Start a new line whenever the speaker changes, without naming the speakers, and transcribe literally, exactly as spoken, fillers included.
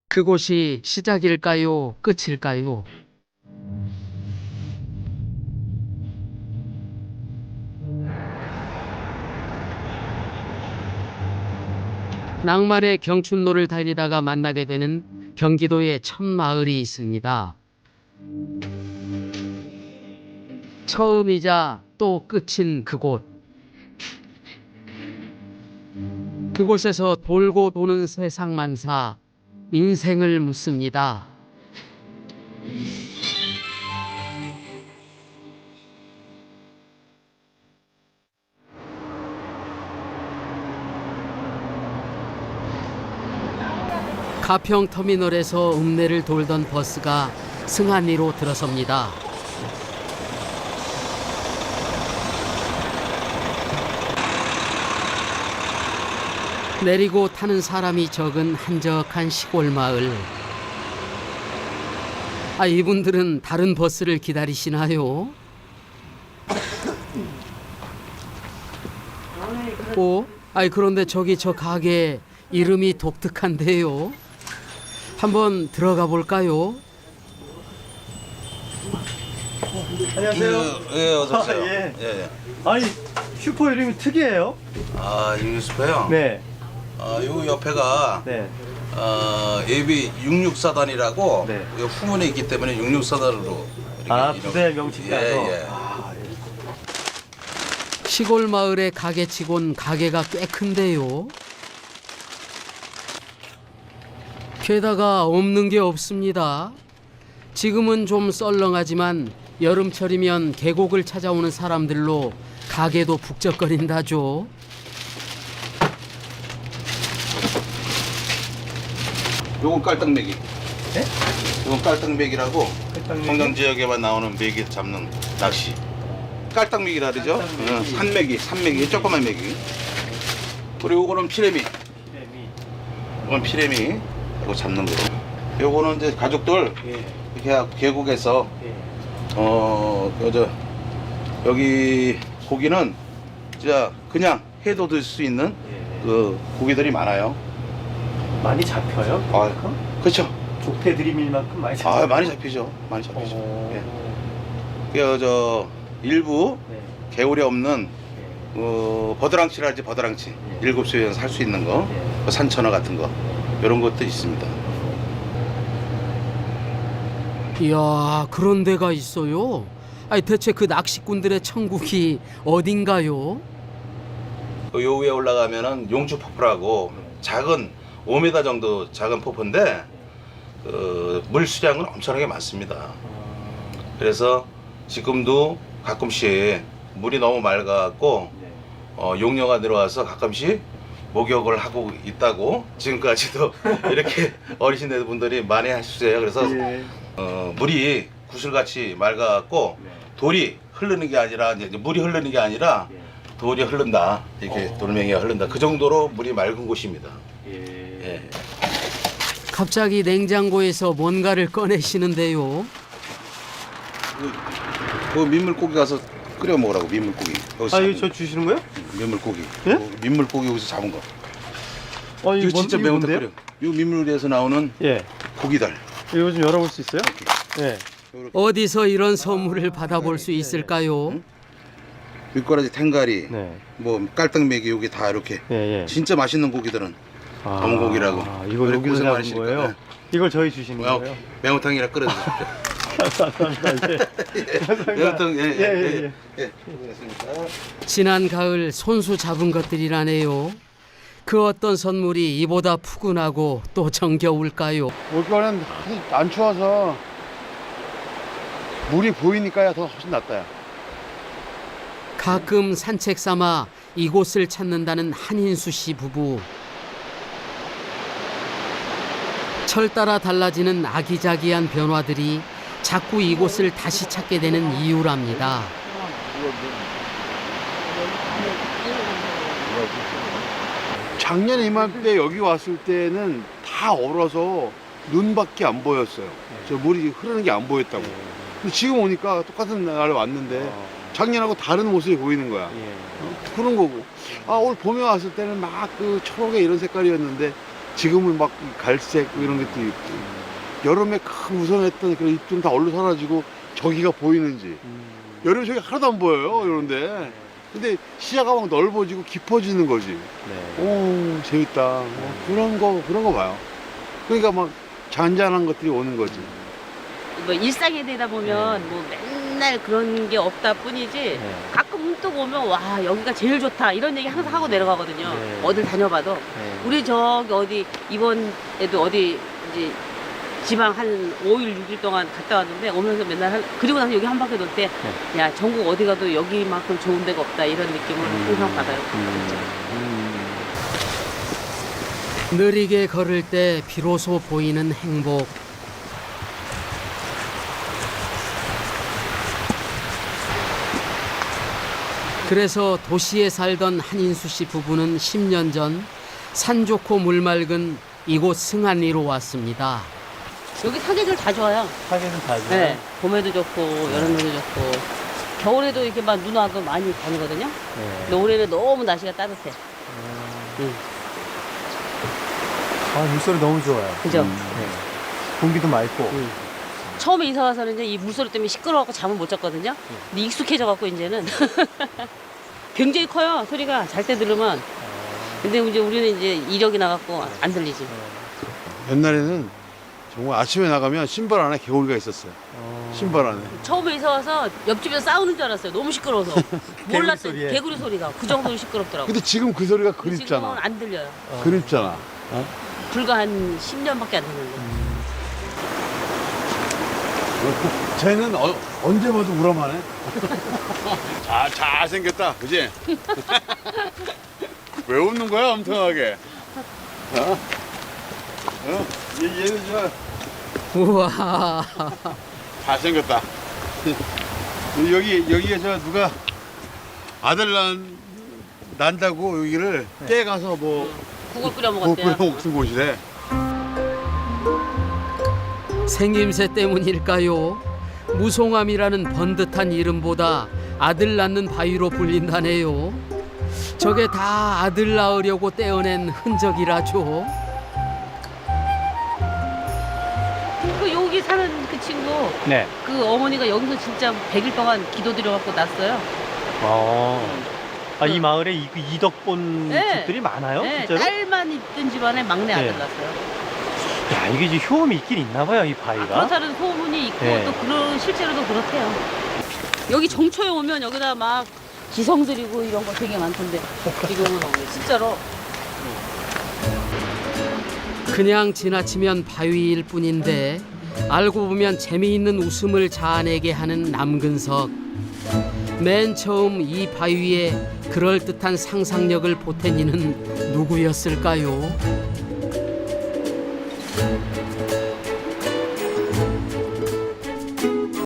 그곳이 시작일까요? 끝일까요? 낭만의 경춘로를 달리다가 만나게 되는 경기도의 첫 마을이 있습니다. 처음이자 또 끝인 그곳. 그곳에서 돌고 도는 세상만사, 인생을 묻습니다. 가평터미널에서 읍내를 돌던 버스가 승한리로 들어섭니다. 내리고 타는 사람이 적은 한적한 시골 마을. 아, 이분들은 다른 버스를 기다리시나요? 오, 아이 그런데 저기 저 가게 이름이 독특한데요. 한번 들어가 볼까요?
안녕하세요.
예, 어서 오세요.
아, 예.
예, 예.
아니 슈퍼 이름이 특이해요.
아, 유스퍼요?
네,
아, 요 옆에가
네.
어, 예비 육육사단이라고
네.
요 후문에 있기 때문에 육육사단으로 이렇게
아
이름-
부대 명칭 따서.
예, 예.
아, 예.
시골 마을의 가게치곤 가게가 꽤 큰데요. 게다가 없는 게 없습니다. 지금은 좀 썰렁하지만 여름철이면 계곡을 찾아오는 사람들로 가게도 북적거린다죠.
요건 깔딱매기.
네?
요건 깔딱매기라고
깔딱매기?
청정 지역에만 나오는 메기 잡는 낚시. 깔딱매기라 그러죠?
깔딱매기.
어, 산매기, 산매기, 조그만 매기. 그리고 요거는 피레미.
이름이.
이건 피레미. 이거 잡는 거. 요거는 이제 가족들
예,
이렇게 계곡에서
예.
어, 여저 여기 고기는 진짜 그냥 해도 들 수 있는
예.
그 고기들이 많아요.
많이 잡혀요?
아,
그만큼?
그렇죠.
족대 드릴 만큼 많이 잡혀요.
아, 많이 잡히죠. 많이 잡히죠.
어...
예. 그저 일부
네.
개울에 없는
예.
어, 버드랑치라지 버드랑치
예.
일곱 수에서 살 수 있는 거,
예.
뭐 산천어 같은 거 이런 것도 있습니다.
이야, 그런 데가 있어요. 아니 대체 그 낚시꾼들의 천국이 어딘가요?
그 요 위에 올라가면은 용주 폭포라고 작은 오 미터 정도 작은 폭포인데 그, 물 수량은 엄청나게 많습니다. 그래서 지금도 가끔씩 물이 너무 맑아갖고
네.
어, 용녀가 내려와서 가끔씩 목욕을 하고 있다고 지금까지도 이렇게 어르신들 분들이 많이 하시세요. 그래서
예.
어, 물이 구슬같이 맑아갖고
네.
돌이 흐르는 게 아니라 이제 물이 흐르는 게 아니라
예.
돌이 흐른다. 이렇게
어.
돌멩이가 흐른다. 그 정도로 물이 맑은 곳입니다.
예.
예.
갑자기 냉장고에서 뭔가를 꺼내시는데요.
그, 그 민물고기 가서 끓여 먹으라고 민물고기. 여기서
아
잡은
이거 저 주시는 거예요?
거. 민물고기.
예?
어, 민물고기 여기서 잡은 거.
아
이거 진짜
뭔-
매운탕
뭔데요?
끓여. 이 민물에서 나오는
예.
고기들.
이거 좀 열어볼 수 있어요? 예.
어디서 이런 선물을 받아볼 수 있을까요?
밑꼬라지 탱가리,
네.
뭐 깔딱매기 여기 다 이렇게
예, 예.
진짜 맛있는 고기들은
아,
검은 고기라고.
아, 이거
그래,
여기서
고생
잡은
많으시니까.
거예요?
네.
이걸 저희 주시는
뭐,
거예요?
매운탕이라 끓여 드십시오.
감사합니다. 예. 감사합니다.
매운탕, 예, 예,
예, 예,
예.
예.
예. 고맙습니다.
지난 가을 손수 잡은 것들이라네요. 그 어떤 선물이 이보다 푸근하고 또 정겨울까요?
올겨울엔 안 추워서 물이 보이니까 더 훨씬 낫다. 야.
가끔 산책 삼아 이곳을 찾는다는 한인수 씨 부부. 철 따라 달라지는 아기자기한 변화들이 자꾸 이곳을 다시 찾게 되는 이유랍니다.
작년 이맘때 여기 왔을 때는 다 얼어서 눈밖에 안 보였어요. 저 물이 흐르는 게 안 보였다고. 근데 지금 오니까 똑같은 날에 왔는데 작년하고 다른 모습이 보이는 거야.
예.
그런 거고. 아, 올 봄에 왔을 때는 막 그 초록의 이런 색깔이었는데 지금은 막 갈색 이런 것도 있고 여름에 큰 우선했던 그런 잎들은 다 얼로 사라지고 저기가 보이는지 여름에 저기 하나도 안 보여요 이런데 근데 시야가 막 넓어지고 깊어지는 거지.
네.
오 재밌다. 뭐 그런 거 그런 거 봐요. 그러니까 막 잔잔한 것들이 오는 거지.
뭐 일상에 되다 보면
네.
뭐 맨날 그런 게 없다 뿐이지
네.
가끔 문득 오면 와 여기가 제일 좋다 이런 얘기 항상 하고 내려가거든요.
네.
어딜 다녀봐도
네.
우리 저기 어디 이번에도 어디 이제 지방 한 오 일 육 일 동안 갔다 왔는데 오면서 맨날 한, 그리고 나서 여기 한 바퀴 돌 때 야 전국 어디 가도 여기만큼 좋은 데가 없다 이런 느낌을 항상 받아요.
느리게 걸을 때 비로소 보이는 행복. 그래서 도시에 살던 한인수 씨 부부는 십 년 전 산 좋고 물 맑은 이곳 승안리로 왔습니다.
여기 사계절 다 좋아요.
하기는 다 좋아요.
네, 봄에도 좋고 여름에도 좋고 겨울에도 이렇게 막 눈 와도 많이 다니거든요.
네.
근데 올해는 너무 날씨가 따뜻해. 응.
아, 물소리 너무 좋아요.
그죠?
네. 공기도 맑고.
응. 처음에 이사 와서는 이제 이 물소리 때문에 시끄러워갖고 잠을 못 잤거든요. 근데 익숙해져갖고 이제는 굉장히 커요 소리가 잘 때 들으면. 근데 이제 우리는 이제 이력이 나갖고 안 들리지.
옛날에는 정말 아침에 나가면 신발 안에 개구리가 있었어요. 신발 안에.
처음에 이사 와서 옆집에서 싸우는 줄 알았어요. 너무 시끄러워서. 몰랐어요.
소리에.
개구리 소리가 그 정도로 시끄럽더라고.
근데 지금 그 소리가
지금은
그립잖아.
안 들려요.
그립잖아.
불과 한 십 년밖에 안 됐는데.
쟤는 어, 언제 봐도 우람하네. 잘, 잘생겼다. 그지? 왜 웃는 거야, 엄청나게? 어? 어? 얘, 얘는 저
우와.
잘생겼다. 여기, 여기에 저 누가 아들 난, 난다고 여기를 떼 가서 뭐,
국을 끓여
국
먹었대요.
끓여 먹는 곳이래.
생김새 때문일까요? 무송암이라는 번듯한 이름보다 아들 낳는 바위로 불린다네요. 저게 다 아들 낳으려고 떼어낸 흔적이라죠.
그 여기 사는 그 친구,
네.
그 어머니가 여기서 진짜 백 일 동안 기도드려갖고 났어요.
어. 아, 이 마을에 이, 그 이덕본
네.
집들이 많아요?
네,
실제로?
딸만 있던 집안에 막내 아들
네.
났어요.
야, 이게 이제 효험이 있긴 있나 봐요, 이 바위가.
아, 그렇다는 소문이 있고
네.
또 그런 실제로도 그렇대요. 여기 정초에 오면 여기다 막 기성 드리고 이런 거 되게 많던데 지금은 없네 진짜로.
그냥 지나치면 바위일 뿐인데 알고 보면 재미있는 웃음을 자아내게 하는 남근석. 맨 처음 이 바위에 그럴듯한 상상력을 보탠 이는 누구였을까요?